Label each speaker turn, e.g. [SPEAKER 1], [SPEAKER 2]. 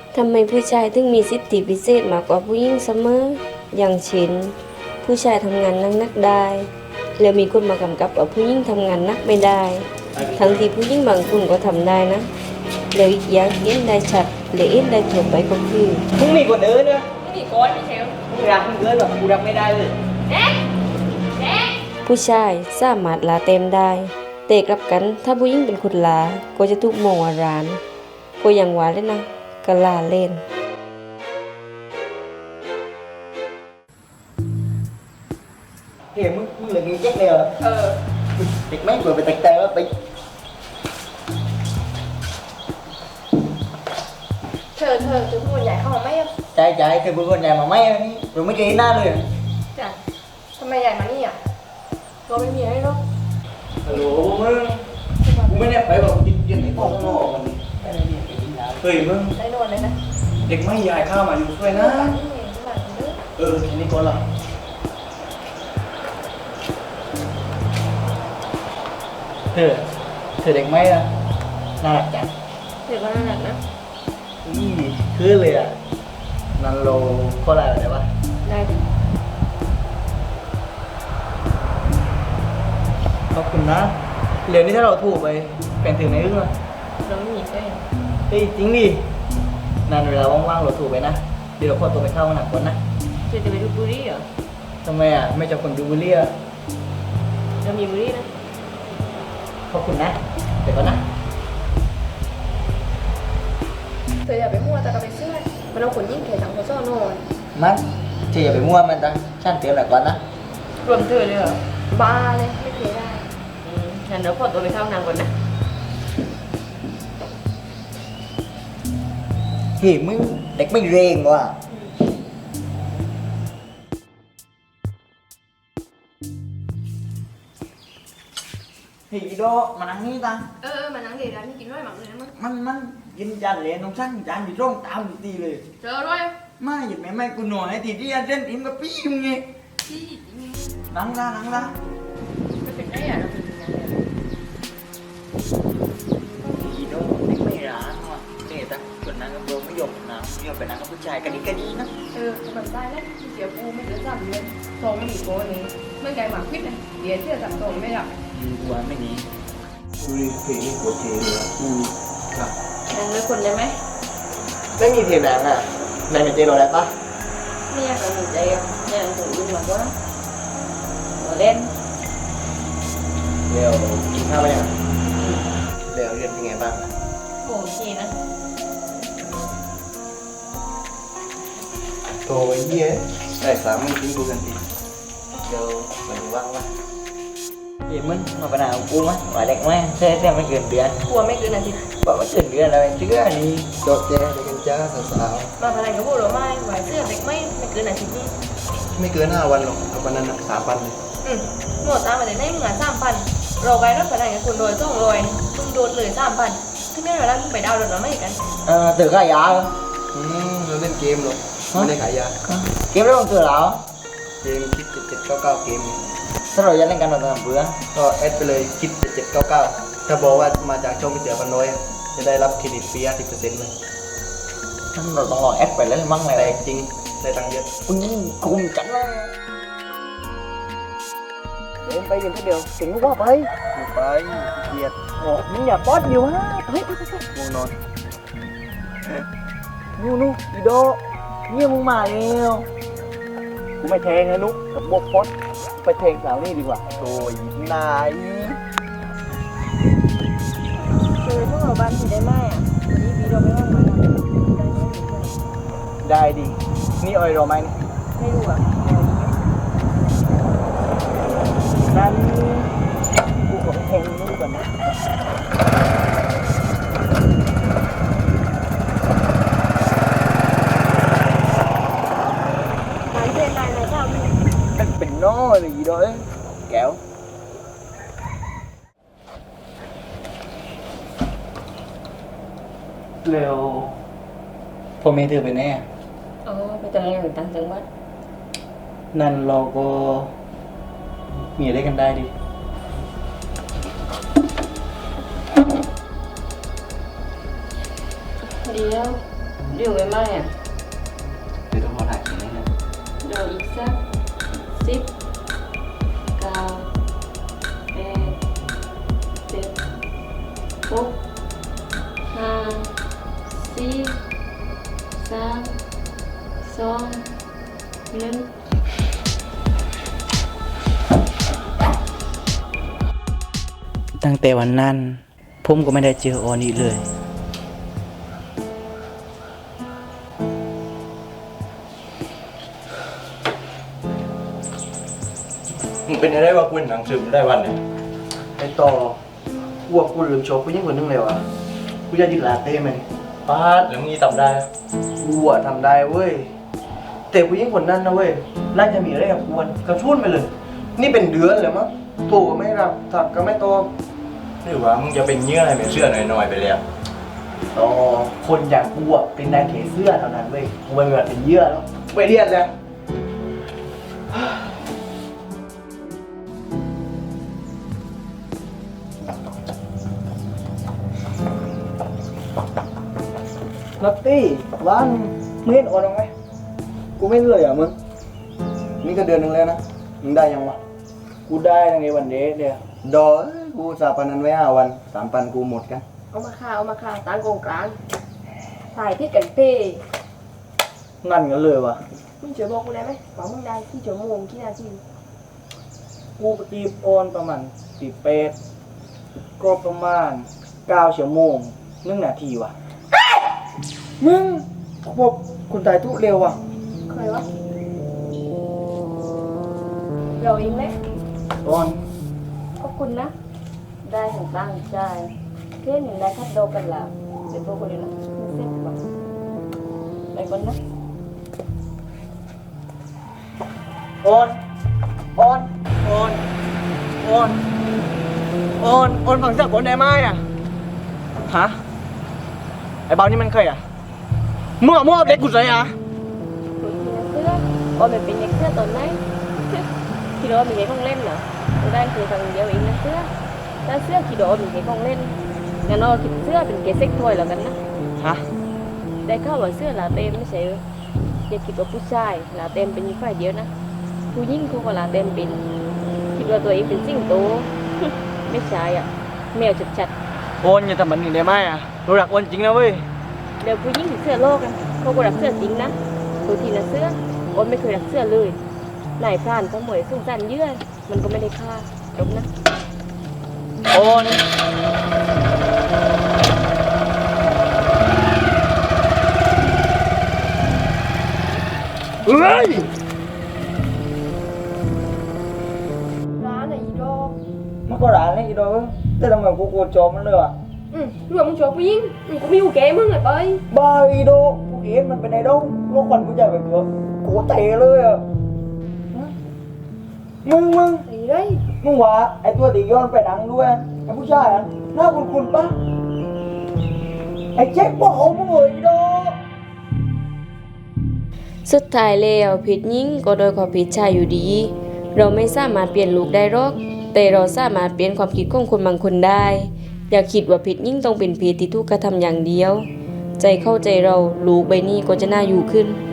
[SPEAKER 1] ทำไมผู้ชายถึงมีสิทธิพิเศษมากกว่าผู้หญิงเสมออย่างเช่นผู้ชายทำงานหนักๆได้แล้วมีคนมากำกับว่าผู้หญิงทำงานหนักไม่ได้ทั้งที่ผู้หญิงบางคนก็ทำได้นะแล้วอีกอย่างที่เห็นได้ชัดและเห็นได้ทั่วไปก็คือ
[SPEAKER 2] มึงมีคนอื่นนะ
[SPEAKER 3] ไม่มีก้อนไม่เชล
[SPEAKER 2] มึงรักมึงเกินหรอกกูรักไม่ได้เลย
[SPEAKER 3] เด็กเด็ก
[SPEAKER 1] ผู้ชายสามารถลาเต็มได้แต่กลับกันถ้าผู้หญิงเป็นคนลาก็จะถูกมองว่าร้านก็อย่างว่าเลยนะก็ลาเล่น
[SPEAKER 2] เฮ้ยมึงเหลือกี่แจ็คเลยเหรอเด็กแม่งเปิดไปแต่แล้วไป
[SPEAKER 3] เธอจะพูดใหญ่เข้ามาไหมอ่ะ
[SPEAKER 2] ใจคือบุญคนใหญ่มาไม่นี่เราไม่เคยเห็นหน้าเลย
[SPEAKER 3] จ้ะทำไมใหญ่มานี่อ่ะเราไม่มีอะไรหรอก
[SPEAKER 4] ฮัลโหลมึงกูไม่ได้ไปบอกกูยืนในห้องข้างนอกมันเฮ้ยมึง
[SPEAKER 3] ได้นอนเลยนะ
[SPEAKER 4] เด็กไม่ยายข้าวมาอยู่ช่วยนะ
[SPEAKER 3] นี่ไงที่บ้านเด้อ
[SPEAKER 4] แค่นี้ก่อนละ
[SPEAKER 2] เธอเด็กไม่อะน่ารักจัง
[SPEAKER 3] เดี๋ยวก็น่ารักนะ
[SPEAKER 2] นี่คือเลยอ่ะนันโลโคตรอะไรวะ
[SPEAKER 3] ได้ดิ
[SPEAKER 2] ขอบคุณนะเหรียญนี้ถ้าเราถูกไปแบ่งถึงในอึ้งเลย
[SPEAKER 3] เราไม่มีแฟน
[SPEAKER 2] เฮ้ยจริงดินานเวลาว่างๆเราถูกไปนะเดี๋ยวเราขอตัวไปเข้าห้องน้ำก่อนนะ
[SPEAKER 3] จะไปดูบุรีเหรอ
[SPEAKER 2] ทำไมอ่ะไม่จับคนดูบุเรีย
[SPEAKER 3] เรามีบุรีนะ
[SPEAKER 2] ขอบคุณนะเดี๋ยวก่อนนะ
[SPEAKER 3] เธออย่าไปมั่วแต่ก็ไปเชื่อมันเอาขนยิ่งเขยสังโคซ่อนอน
[SPEAKER 2] มันเธออย่าไปมั่วมันจ้ะฉันเตรียมหน่อยก่อนนะ
[SPEAKER 3] รวมเธอเลยเหรอบ้าเลยไม่เคยได้งั้นเดี๋ยวขอตัวไปเข้าห้องน้ำก่อนนะ
[SPEAKER 2] เฮ้ยมึงเด็กไม่เรงว่ะเฮ้ยอีโดมานั่งนี่ตัง
[SPEAKER 3] มานั่งเดี๋ยวร้านนี้กินด้วยหมักเลยนะมั้ง
[SPEAKER 2] มันกินจานเหลนน้องช่างจานอยู่ตรงตามอยู่ตีเลย
[SPEAKER 3] เจอด้วย
[SPEAKER 2] ไม่หยิบแม่กูหน่อยทีที่อันเล่นทีมกับพี่มึงไง
[SPEAKER 3] ที่
[SPEAKER 2] นั่งละ
[SPEAKER 3] ไม่เป็นได้อ่ะเราเป็นยังไง
[SPEAKER 2] อีโดเด็กไม่ร้านว่ะเนี่ยตังคนนั้นกับโดไม่ยอมนะไม่ยอมไปนั่งกับผู้ชายกันดีนะ
[SPEAKER 3] มันได้แล้วเสียปูไม่เหลือ3 เดือนทองไม่มีโกนี้เมื่อไงหมากพิษนะเดี๋ยวเชื่อสั่งทองไม่หลับ
[SPEAKER 2] กูว่าไม่หนี
[SPEAKER 4] ดูดิเพลงนี้โคตรเท่เลยอะครับ
[SPEAKER 3] นั่งด้วยคนได้ไหม
[SPEAKER 2] ไม่มีเทียนแดงอ่ะแดงในเจโรได้ปะ
[SPEAKER 3] ไม่อยากจะหนุนใจอ่ะอยากจะยุ่งหรอกว่าเราเล่น
[SPEAKER 2] เดี๋ยวกินข้าวไปยังเดี๋ยวเรียนเป็นไงบ้าง
[SPEAKER 3] โอเคนะ
[SPEAKER 4] โตไอ้เหี้ยได้สามมึงทิ้งกูกันที
[SPEAKER 2] เดี๋ยวมันว่างวะเฮ้ยมึงมาปัญหาของกูมั้ยว่าเด็กไหมใช่ไม่เกินเดือน
[SPEAKER 3] กลัวไม่เกินอาทิตย์
[SPEAKER 2] บอกว่าเกินเดือนแล้วเชื่อนี่
[SPEAKER 4] โดดแจเด็กกันจ้าสาว
[SPEAKER 3] มาอะไรกับพวกเราไม่ไหวเสื้อเด็กไม่เกินอาทิตย์นี้
[SPEAKER 4] ๆไม่เกิน5 วันหรอกเอาวันนั้นนะ3,000เลย
[SPEAKER 3] หมดตามมาแต่ได้เหมือน3,000เราไปรถไปไหนกับคุณโดย200มึงโดนเลย3,000ที่นี่เวลามึงไปดาวน์รถเราไม่กัน
[SPEAKER 2] ตื่นข้ายา
[SPEAKER 4] เราเล่นเกมหรอกไม่ได้ขายยา
[SPEAKER 2] เก็บได้บ้างตื่นแล้ว
[SPEAKER 4] เกมคิด7799เกม
[SPEAKER 2] ถ้าเราจะเล่นกันเราต้องเบื่อ
[SPEAKER 4] ก็แอดไปเลยคิด7799ถ้าบอกว่ามาจากช่องพิเศษพันน้อยจะได้รับเครดิตฟรี50%เลย
[SPEAKER 2] เราต้องรอแอดไปแล้วมั่งเลย
[SPEAKER 4] แต่จริงได้ตังค์เยอะ
[SPEAKER 2] คุณคุมจังเลยเดินไปกันทีเดียวถึงว่าไป
[SPEAKER 4] ไปเกียด
[SPEAKER 2] โอ้มึงอย่าป๊อดอยู่ฮะเฮ้ย
[SPEAKER 4] ง่วงนอน
[SPEAKER 2] นู่อีโดเนี่ยมึงมาแล้ว
[SPEAKER 4] กูไม่แทงนะนุ๊กกับบวกพดไปแทงสาวนี่ดีกว่าโดยนาย
[SPEAKER 3] คือพวกเราบ้านที่ได้ไหมอ่ะวันนี้วีเราไม่ว่างมาได้ไหม
[SPEAKER 4] ได้ดีนี่ออยรอไหมนี่
[SPEAKER 3] ไม่รู้อ่ะ
[SPEAKER 4] นั้นกูขอแทงนี่ก่อนนะ
[SPEAKER 3] ร้านเพื่อนนายชอบ
[SPEAKER 2] เป็นน้อยเลยอีโดเอ้ยแก้ว
[SPEAKER 4] เร็ว
[SPEAKER 2] พ่อแม่เธอไปไหนอ่ะ
[SPEAKER 3] ไปทำงานอยู่ต่างจังหวัด
[SPEAKER 4] นั่นเราก็มีอะไรกันได้ดิ
[SPEAKER 3] เดี๋ยว
[SPEAKER 1] เดี๋ยวไว้ไหมอ่ะ
[SPEAKER 2] เดี๋ยวต้องขอถ่ายเขียนให้นะ
[SPEAKER 1] เดี๋ยวอีกสัก10 9 8 7 6 5 4 3 2 1
[SPEAKER 2] ตั้งแต่วันนั้นผมก็ไม่ได้เจอออนอีกเลย
[SPEAKER 4] มึงเป็นอะไรวะกูเห็นหนังสือมันได้วันเนี่ย
[SPEAKER 5] ไอต่อกูว่ากูลืมโชว์ผู้หญิงคนนึงเลยว่ะกูจะยินลาเต้ไหม
[SPEAKER 4] ป้าดแล้วมึงนี่ทำได้
[SPEAKER 5] กูอะทำได้เว้ยแต่ผู้หญิงคนนั้นนะเว้ยน่าจะมีอะไรกับกูกระชุ่นไปเลย นี่เป็นเดือนเลยมั้งโทรก็ไม่รับถักก็ไม่ตอบ
[SPEAKER 4] หรือว่ามึงจะเป็นเงี้ยอะไรเป็นเสื้อหน่อยๆไปเลยอะ
[SPEAKER 5] ต่อคนอย่างกูอะเป็นนายเขเสื้อเท่านั้นเว้ยกูไม่เหมือนเป็นเยื่อแล้วไปเรียนแล้วนัตตี้ร้านมึงเห็นออนไหมกูไม่เลยอ่ะมึงนี่ก็เดือนหนึ่งแล้วนะมึงได้ยังวะกูได้ตั้งแต่วันเดทเดียวดอกูสาปันนั้นไว้5 วัน3,000กูหมดกัน
[SPEAKER 3] เอามาค่ะตั้งกองกลางถ่ายที่กันเป้
[SPEAKER 5] งั้นกันเลยวะ
[SPEAKER 3] มึงช่วยบอกกูได้ไหมว่ามึงได้กี่ชั่วโมงกี่นาที
[SPEAKER 5] กูไปจีบออนประมาณ18ก็ประมาณ9 ชั่วโมง1 นาทีวะมึงพวกคนตายทุเร็วว่ะ
[SPEAKER 3] เคยวะเราเองไหม
[SPEAKER 5] ออน
[SPEAKER 1] ขอบคุณนะ ได้ของตั้งใจเพื่อนหนึ่งได้คัดโดกันแล้วเดี๋ยวพวกคนนี้นะไม่เซ็ตหรอกไปก่อนนะ
[SPEAKER 5] ออนออนออนออนออนออนฝั่งจากคนได้ไหมอ่ะฮะไอ้เบานี่มันเคยอ่ะมั่วเด็กกูเลยอ่ะ
[SPEAKER 1] ตัวที่นักเสื้อโอ้ยเป็นเด็กเสื้อตอนไหนคิดว่ามีเด็กของเล่นเหรอตัวได้คือทางเดียวเองนะเสื้อถ้าเสื้อคิดว่ามีเด็กของเล่นงั้นเราคิดเสื้อเป็นเกสเซ็กทอยแล้วกันนะ
[SPEAKER 5] ฮะ
[SPEAKER 1] ได้ข่าวว่าเสื้อลาเต็มไม่ใช่อย่าคิดว่าผู้ชายลาเต็มเป็นฝ่ายเดียวนะผู้หญิงเขาก็ลาเต็มเป็นคิดว่าตัวเองเป็นสิงโต ไม่ใช่อ่ะแมวชัด
[SPEAKER 5] โอนอย่าทำแบบนี้ได้ไหมอ่ะรู้รักโอนจริงนะเว้ย
[SPEAKER 1] ๆเดี๋ยวผู้หญิงถึงเสื้อโลกกันเขาก็รักเสื้อจริงนะตัวทีนะเสื้อโอนไม่เคยรักเสื้อเลยนายพรานก็หมวยสุ่งสันเยื่อมันก็ไม่ได้ค่าจบนะ
[SPEAKER 5] โอนเฮ้ย
[SPEAKER 3] ร้านไหนอีดอก
[SPEAKER 5] มันก็ร้านนี่อีดอกแต่ทำไมกูโกรธจอมมันเลยอ่ะ
[SPEAKER 3] รวมมึงชอบผู้หญิงกูไม่อยู่แกมึงเลยไป
[SPEAKER 5] บ้าอีดอกกูเห็นมันเป็นไอ้ดอกโลกควันกูใหญ่แบบเยอะกูเตะเลยอ่ะมึง
[SPEAKER 3] ไอ้ไร
[SPEAKER 5] มึงว่าไอ้ตัวตีย้อนไปดังด้วยไอ้ผู้ชายอ่ะหน้าคุณปะไอ้เจ๊กบอกมึงเลยอีดอก
[SPEAKER 1] สุดท้ายแล้วผิดหญิงก็โดยความผิดชายอยู่ดี เราไม่สามารถเปลี่ยนลูกได้หรอก แต่เราสามารถเปลี่ยนความคิดของคนบางคนได้ อย่าคิดว่าผิดหญิงต้องเป็นผิดที่ถูกกระทำอย่างเดียว ใจเข้าใจเราลูกใบนี้ก็จะน่าอยู่ขึ้น